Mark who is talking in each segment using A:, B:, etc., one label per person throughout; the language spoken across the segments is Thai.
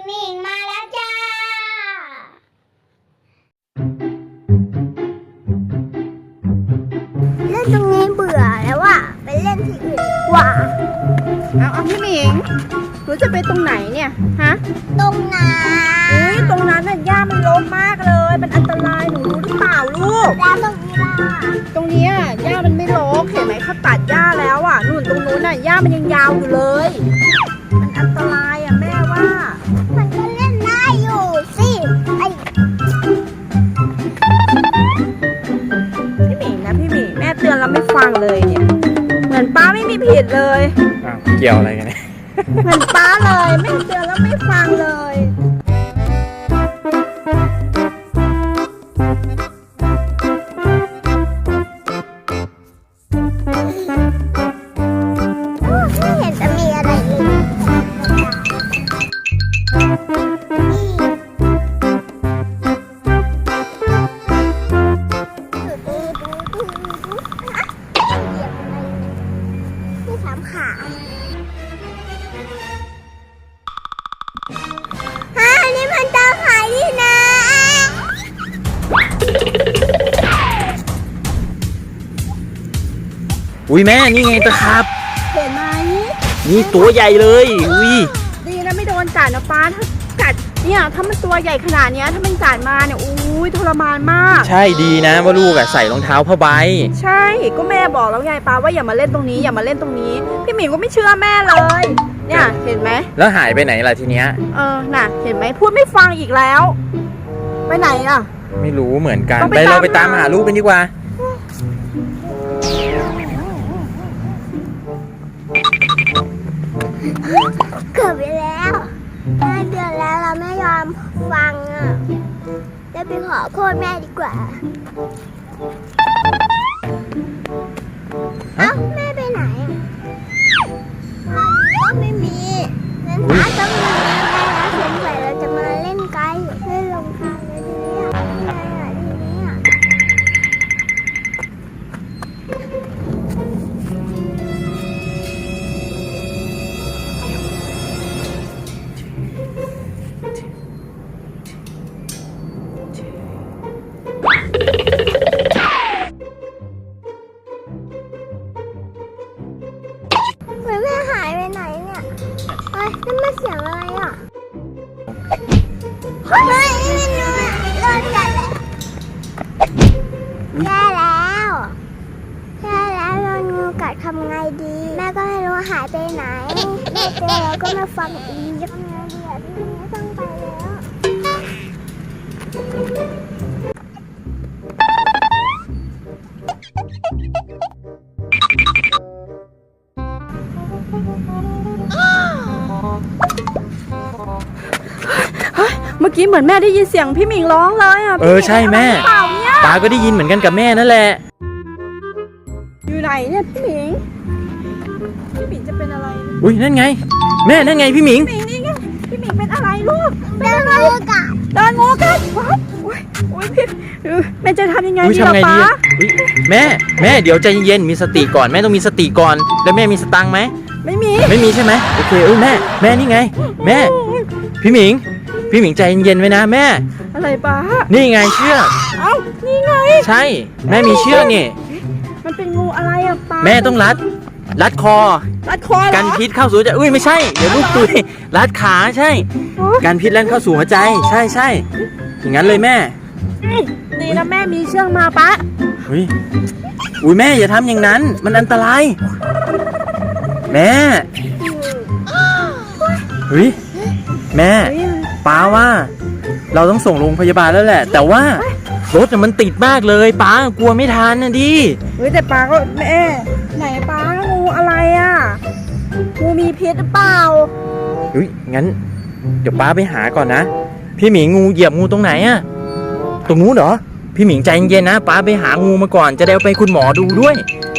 A: หมิงมาแล้วจ้าเล่นตรงนี้เบื่อแล้วอะไปเล่นที่อื่นดีกว่า
B: เอาพี่หมิงหนูจะไปตรงไหนเนี่ยฮะ
A: ตรงนั้น
B: ตรงนั้นน่ะหญ้ามันรกมากเลยมันอันตรายหนูรู้หรือเปล่าลูก
A: แล้วตรงนี้ล่ะ
B: ตรงนี้หญ้ามันไม่รกเห็นไหมเขาตัดหญ้าแล้วอ่ะนู่นตรงนู้นน่ะหญ้ามันยังยาวอยู่เลยมันอันตรายอ่ะแม่ว่า
A: มันก็เล่นได้อยู่สิ
B: พี่หมิงนะพี่หมิงแม่เตือนแล้วไม่ฟังเลยเนี่ยเหมือนป้าไม่มีผิดเลย
C: เกี่ยวอะไรกันเนี่ย
B: เหมือนป้าเลยแม่เตือนแล้วไม่ฟังเลย
A: ไม่เห็นจะมีอะไรเลยที่สามขานี่มันตาขายนี่นะ
C: อุ้ยแม่นี่ไงตะครับ
B: เห็นไหม
C: นี่ตัวใหญ่เลยอุ้ย
B: ดีนะไม่โดนกัดนะป้าถ้ากัดเนี่ยถ้ามันตัวใหญ่ขนาดนี้ถ้ามันกัดมาเนี่ยอุ้ยทรมานมาก
C: ใช่ดีนะว่าลูกใส่รองเท้าผ้าใบ
B: ใช่ก็แม่บอกแล้วไงป้าว่าอย่ามาเล่นตรงนี้อย่ามาเล่นตรงนี้พี่หมิงก็ไม่เชื่อแม่เลยเนี่ยเห็นไหม
C: แล้วหายไปไหนล่ะทีเนี้ย
B: น่ะเห็นไหมพูดไม่ฟังอีกแล้วไปไหนอ่ะ
C: ไม่รู้เหมือนกันไปเราไปตามหาลูกกันดีกว่า
A: เกือบไปแล้วแม่เดือนแล้วเราไม่ยอมฟังอ่ะจะไปขอโทษแม่ดีกว่าเอ้าแม่ไปไหนก็ไม่มีงั้นป้าต้องมีแม่แล้วสงสัยเราจะมาเล่นไกด์เล่นลงทางเลยทีนี้ทีนี้แม่หายไปไหนเนี่ยนั่นมาเสียงอะไรอ่ะไม่รู้โดนกัดเลยแย่แล้วโดนงูกัดทำไงดีแม่ก็ไม่รู้หายไปไหนแม่เจอแล้วก็มาฟังอีกทำไงดีอ่ะพี่ไม่ต้องไปแล้ว
B: เมื่อกี้เหมือนแม่ได้ยินเสียงพี่หมิงร้องเลยอ่ะ
C: ใช่แม่ตาก็ได้ยินเหมือนกันกับแม่นั่นแหละ
B: อยู่ไหนเนี่ยพี่หมิงจะเป็นอะไร
C: อุ้ยนั่นไงแม่นั่นไงพี่หมิง
B: นี่ไงพี่หมิงเป็นอะไรลูก
A: โดนงูกัด
B: ว้าวโอ้ยพี่แม่จะทำยังไงดีล่ะป้า
C: แม่เดี๋ยวใจเย็นมีสติก่อนแม่ต้องมีสติก่อนแล้วแม่มีสตังค์ไหม
B: ไม่มี
C: ใช่ไหมโอเคแม่นี่ไงแม่พี่หมิงใจเย็นๆไว้นะแม่
B: อะไรป้า
C: นี่ไงเชือก
B: เอ้านี่ไง
C: ใช่แม่มีเชือกนี่
B: มันเป็นงูอะไรอ่ะป้า
C: แม่ต้องรัดคอกันพิษเข้าสู่ใจไม่ใช่เดี๋ยวลูกตุยรัดขาใช่กันพิษแล้วเข้าสู่หัวใจใช่อย่างนั้นเลยแม่
B: ดีนะแม่มีเชือกมาป้า
C: อุ้ยแม่อย่าทำอย่างนั้นมันอันตรายแม่แม่ป้าว่าเราต้องส่งโรงพยาบาลแล้วแหละแต่ว่ารถมันติดมากเลยป้ากลัวไม่ทันนะดิ
B: แต่ป้าก็แม่ไหนป้างูอะไรอ่ะงูมีพิษหรือเปล่า
C: งั้นเดี๋ยวป้าไปหาก่อนนะพี่หมิงงูเหยียบงูตรงไหนอ่ะตรงนู้นเหรอพี่หมิงใจเย็นๆนะป้าไปหางูมาก่อนจะได้ไปคุณหมอดูด้วย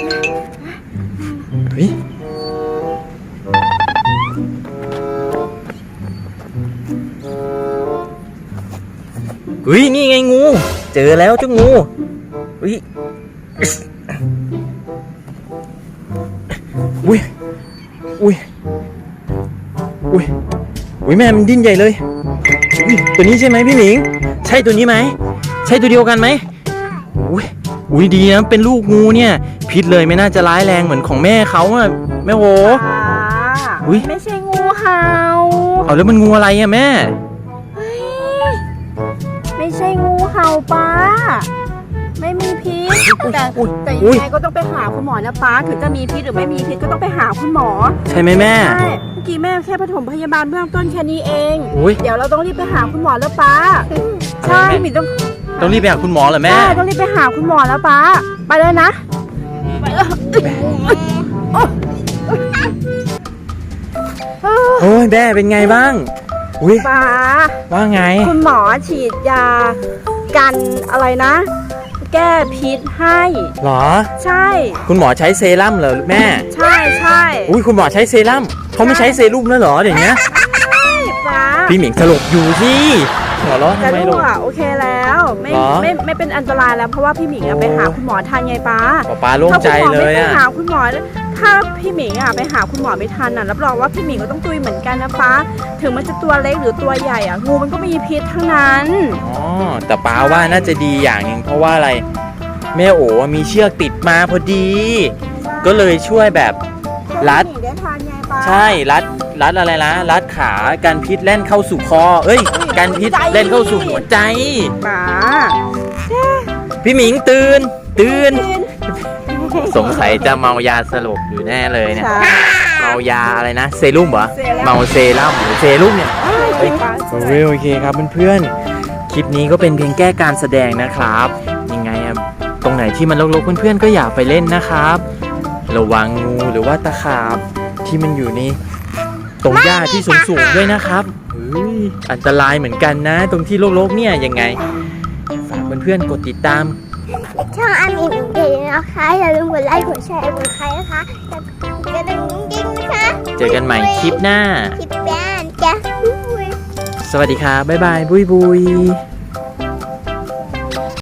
C: นี่ไงงูเจอแล้วเจ้างูอุ้ยแม่มันดิ้นใหญ่เลยอุ้ยตัวนี้ใช่ไหมพี่หมิง ใช่ตัวนี้ไหมใช่ตัวเดียวกันไหมอุ้ยดีนะเป็นลูกงูเนี่ยพิษเลยไม่น่าจะร้ายแรงเหมือนของแม่เขาอะแม่โห
B: ป้า
C: อุ๊ย
B: ไม่ใช่งูเห่า
C: เอาแล้วมันงูอะไรอะแม่
B: เฮ้ยไม่ใช่งูเห่าป้า ไม่มีพิษแต่ยังไงก็ต้องไปหาคุณหมอนะป้าถึงจะมีพิษหรือไม่มีพิษก็ต้องไปหาคุณหมอ
C: ใช่ไหมแม่
B: ใช่เมื่อกี้แม่แค่ปฐมพยาบาลเบื้องต้นแค่นี้เอง
C: อุ๊ย
B: เดี๋ยวเราต้องรีบไปหาคุณหมอแล้วป้าใช่หมิต้อง
C: ต้องรีบไปหาคุณหมอเหรอแม่
B: ใช่ต้องรีบไปหาคุณหมอแล้วป้าไปเลยนะไปเลย
C: โอ้ยแม่เป็นไงบ้างอุ้ย
B: ป้า
C: ว่าไง
B: คุณหมอฉีดยากันอะไรนะ แก้พิษให้
C: หรอ
B: ใช่
C: คุณหมอใช้เซรั่มเหรอแม่
B: ใช่ใช่
C: อุ้ยคุณหมอใช้เซรั่มเขาไม่ใช้เซรุ่มแล้วเหรอเดี๋ยวนี้
B: ป้า
C: พี่หมิงสลบอยู่สิหัวเราะ
B: จะ
C: ทำไม
B: ดู
C: ลูก
B: อ่ะโอเคแล้วไม่
C: หรอ
B: ไม่เป็นอันตรายแล้วเพราะว่าพี่หมิงอะไปหาคุณหมอทันไงป้า
C: ป๊าโล่งใจเลย
B: ถ้าคุณหมอไม่ไป
C: อะ
B: หาคุณหมอถ้าพี่หมิงอะไปหาคุณหมอไม่ทันอะรับรองว่าพี่หมิงก็ต้องตุยเหมือนกันนะป้าถึงมันจะตัวเล็กหรือตัวใหญ่อะงูมันก็มีพิษทั้งนั้น
C: อ๋อแต่ป๊าว่าน่าจะดีอย่างหนึ่งเพราะว่าอะไรแม่โอ๋มีเชือกติดมาพอดี ก็เลยช่วยแบบรัด
B: พี่หมิงได้ทานไงป้า
C: ใช่รัดอะไรนะรัดขาการพิษแล่นเข้าสู่คอเอ้ยการพิษเล่นเข้าสู่หัวใจ
B: ป้า
C: พี่หมิงตื่นสงสัยจะเมายาสลบอยู่แน่เลยเนี่ย
B: ใช่
C: เมายาอะไรนะเซรุ่มเหรอ
B: เซรั่ม
C: เมาเซรั่มหรือเซรุ่มเนี่ย
B: เฮ้ยป้า
C: โอเคครับเพื่อนๆคลิปนี้ก็เป็นเพียงแก้การแสดงนะครับยังไงอะตรงไหนที่มันรกๆเพื่อนๆก็อย่าไปเล่นนะครับระวังงูหรือว่าตะขาบที่มันอยู่ในตรงหญ้าที่สูงๆด้วยนะครับเฮ้ยอันตรายเหมือนกันนะ ตรงที่รกๆเนี่ยยังไงฝากเพื่อนๆกดติดตาม
A: ช่องอามีหนึ่งเดียวนะคะอย่าลืมกดไลค์กดแชร์กดใครนะคะกระดิ่งดิ้งนะคะ
C: เจอกันใหม่คลิปหน้า
A: คลิปแบนจ้ะ
C: สวัสดีครับบ๊ายบายบุย